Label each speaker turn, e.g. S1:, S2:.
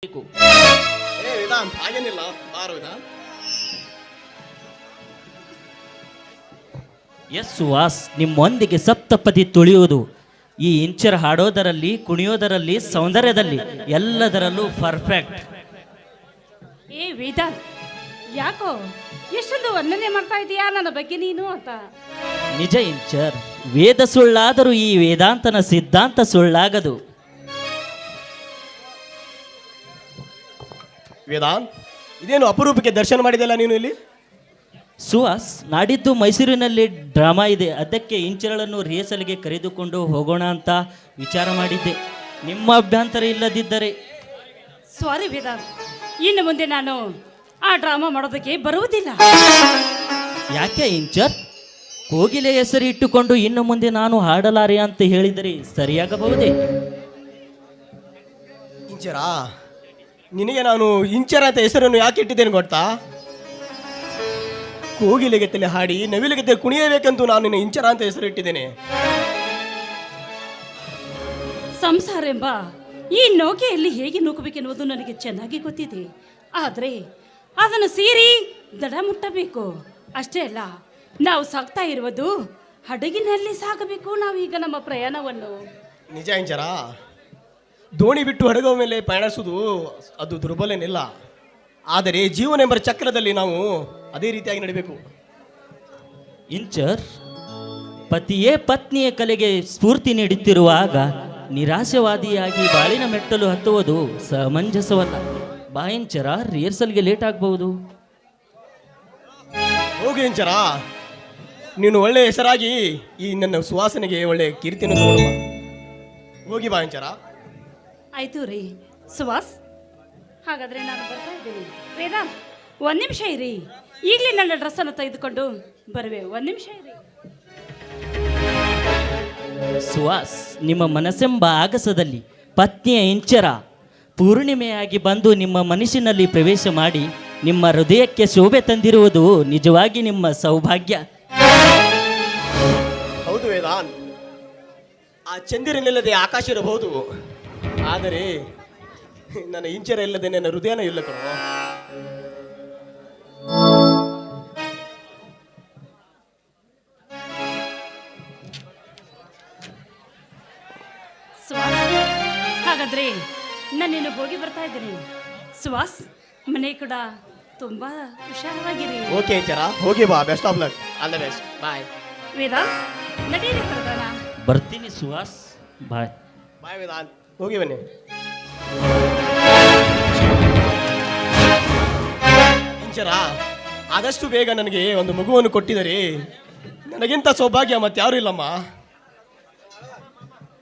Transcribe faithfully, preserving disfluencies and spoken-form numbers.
S1: ಬೇಕು.
S2: ಏ ವೇದಾಂತ್ ಹಾಗೇನಿಲ್ಲ ಬಾರು ವೇದಾಂತ್.
S1: ಎಸ್ ಸುಹಾಸ್, ನಿಮ್ಮೊಂದಿಗೆ ಸಪ್ತಪದಿ ತುಳಿಯುವುದು ಈ ಇಂಚರ್ ಹಾಡೋದರಲ್ಲಿ, ಕುಣಿಯೋದರಲ್ಲಿ, ಸೌಂದರ್ಯದಲ್ಲಿ ಎಲ್ಲದರಲ್ಲೂ ಪರ್ಫೆಕ್ಟ್.
S3: ಏ ವೇದಾಂತ್, ಯಾಕೋ ಎಷ್ಟೊಂದು ವರ್ಣನೆ ಮಾಡ್ತಾ ಇದೀಯಾ ನನ್ನ ಬಗ್ಗೆ ನೀನು ಅಂತ.
S1: ನಿಜ ಇಂಚರ್, ವೇದ ಸುಳ್ಳಾದರೂ ಈ ವೇದಾಂತನ ಸಿದ್ಧಾಂತ ಸುಳ್ಳಾಗದು.
S2: ವೇದಾಂತ್, ಇದೇನು ಅಪರೂಪಕ್ಕೆ ದರ್ಶನ ಮಾಡಿದೆಲ್ಲ ನೀನು ಇಲ್ಲಿ?
S1: ಸುಹಾಸ್, ನಾಡಿದ್ದು ಮೈಸೂರಿನಲ್ಲಿ ಡ್ರಾಮಾ ಇದೆ, ಅದಕ್ಕೆ ಇಂಚರಳನ್ನು ರಿಹರ್ಸಲ್ಗೆ ಕರೆದುಕೊಂಡು ಹೋಗೋಣ ಅಂತ ವಿಚಾರ ಮಾಡಿದ್ದೆ. ನಿಮ್ಮ ಅಭ್ಯಂತರ ಇಲ್ಲದಿದ್ದರೆ.
S3: ಸಾರಿ ವೇದಾಂತ್, ಇನ್ನು ಮುಂದೆ ನಾನು ಆ ಡ್ರಾಮಾ ಮಾಡೋದಕ್ಕೆ ಬರುವುದಿಲ್ಲ.
S1: ಯಾಕೆ ಇಂಚರ್? ಕೋಗಿಲೆ ಹೆಸರು ಇಟ್ಟುಕೊಂಡು ಇನ್ನು ಮುಂದೆ ನಾನು ಹಾಡಲಾರೆ ಅಂತ ಹೇಳಿದರೆ ಸರಿಯಾಗಬಹುದೇ?
S2: ಇಂಚರ, ನಿನಗೆ ನಾನು ಇಂಚರ ಅಂತ ಹೆಸರನ್ನು ಯಾಕೆ ಇಟ್ಟಿದ್ದೇನೆ ಗೊತ್ತಾ? ಕೋಗಿಲೆಗೆತ್ತಲೆ ಹಾಡಿ ನವಿಲೆಗೆತ್ತಲೆ ಕುಣಿಯಬೇಕಂತೂ ನಾನು ನಿನ್ನ ಇಂಚರ ಅಂತ ಹೆಸರು ಇಟ್ಟಿದ್ದೇನೆ.
S3: ಸಂಸಾರ ಎಂಬ ಈ ನೌಕೆಯಲ್ಲಿ ಹೇಗೆ ನೂಕಬೇಕೆನ್ನುವುದು ನನಗೆ ಚೆನ್ನಾಗಿ ಗೊತ್ತಿದೆ. ಆದರೆ ಅದನ್ನು ಸೇರಿ ದಡ ಮುಟ್ಟಬೇಕು. ಅಷ್ಟೇ ಅಲ್ಲ, ನಾವು ಸಾಗ್ತಾ ಇರುವುದು ಹಡಗಿನಲ್ಲಿ ಸಾಗಬೇಕು ನಾವೀಗ ನಮ್ಮ ಪ್ರಯಾಣವನ್ನು.
S2: ನಿಜ ಇಂಚರ, ದೋಣಿ ಬಿಟ್ಟು ಹಡಗುವ ಮೇಲೆ ಪಯಣಿಸುವುದು ಅದು ದುರ್ಬಲನಿಲ್ಲ. ಆದರೆ ಜೀವನ ಎಂಬ ಚಕ್ರದಲ್ಲಿ ನಾವು ಅದೇ ರೀತಿಯಾಗಿ ನಡಿಬೇಕು.
S1: ಇಂಚರ್, ಪತಿಯೇ ಪತ್ನಿಯ ಕಲೆಗೆ ಸ್ಫೂರ್ತಿ ನೀಡುತ್ತಿರುವಾಗ ನಿರಾಶವಾದಿಯಾಗಿ ಬಾಳಿನ ಮೆಟ್ಟಲು ಹತ್ತುವುದು ಸಮಂಜಸವಲ್ಲ. ಬಾ ಇಂಚರ, ರಿಹರ್ಸಲ್ಗೆ ಲೇಟ್ ಆಗಬಹುದು.
S2: ಹೋಗಿ ಇಂಚರ, ನೀನು ಒಳ್ಳೆ ಹೆಸರಾಗಿ ಈ ನನ್ನ ಸುವಾಸನೆಗೆ ಒಳ್ಳೆ ಕೀರ್ತಿಯನ್ನು ತಗೊಳ್ಳುವ. ಹೋಗಿ ಬಾ ಇಂಚರ.
S3: ಆಯ್ತು ರೀ ಸುಹಾಸ್, ಹಾಗಾದ್ರೆ ನಾನು ಬರ್ತಾ ಇದ್ದೀನಿ. ವೇದಾಂತ್, ಒಂದ್ ನಿಮಿಷ ಇರಿ, ಈಗಲೇ ನನ್ನ ಡ್ರೆಸ್ಸನ್ನು ತೆಗೆದುಕೊಂಡು ಬರುವೆ. ಒಂದ್ ನಿಮಿಷ ಇರಿ.
S1: ಸುಹಾಸ್, ನಿಮ್ಮ ಮನಸ್ಸೆಂಬ ಆಗಸದಲ್ಲಿ ಪತ್ನಿಯ ಇಂಚರ ಪೂರ್ಣಿಮೆಯಾಗಿ ಬಂದು ನಿಮ್ಮ ಮನಸ್ಸಿನಲ್ಲಿ ಪ್ರವೇಶ ಮಾಡಿ ನಿಮ್ಮ ಹೃದಯಕ್ಕೆ ಶೋಭೆ ತಂದಿರುವುದು ನಿಜವಾಗಿ ನಿಮ್ಮ ಸೌಭಾಗ್ಯ.
S2: ಹೌದು ವೇದಾಂತ್, ಆ ಚಂದಿರನಿಲ್ಲದೆ ಆಕಾಶ ಇರಬಹುದು, ಆದರೆ ನನ್ನ ಇಂಚರ ಇಲ್ಲದೆ ನನ್ನ ಹೃದಯನ ಇಲ್ಲ ಕಣೋ.
S3: ಸುಹಾಸ್, ಹಾಗಾದ್ರೆ ನಾನೇನು ಹೋಗಿ ಬರ್ತಾ ಇದ್ದೀನಿ. ಸುಹಾಸ್, ಮನೆ ಕೂಡ ತುಂಬಾ ಹುಷಾರವಾಗಿರಿ.
S2: ಓಕೆ ಇಂಚರ, ಹೋಗಿ ಬಾ. Best of luck. All the best. Bye.
S3: Vedant, ನಡೀರಿ ಪ್ರಧಾನ.
S1: ಬರ್ತೀನಿ ಸುಹಾಸ್, ಬಾಯ್.
S2: ಬಾಯ್ ವೇದಾಂತ್, ಹೋಗಿ ಬನ್ನಿ. ಇಂಚರ, ಆದಷ್ಟು ಬೇಗ ನನಗೆ ಒಂದು ಮಗುವನ್ನು ಕೊಟ್ಟಿದರೆ ನನಗಿಂತ ಸೌಭಾಗ್ಯ ಮತ್ತಾರು ಇಲ್ಲಮ್ಮ.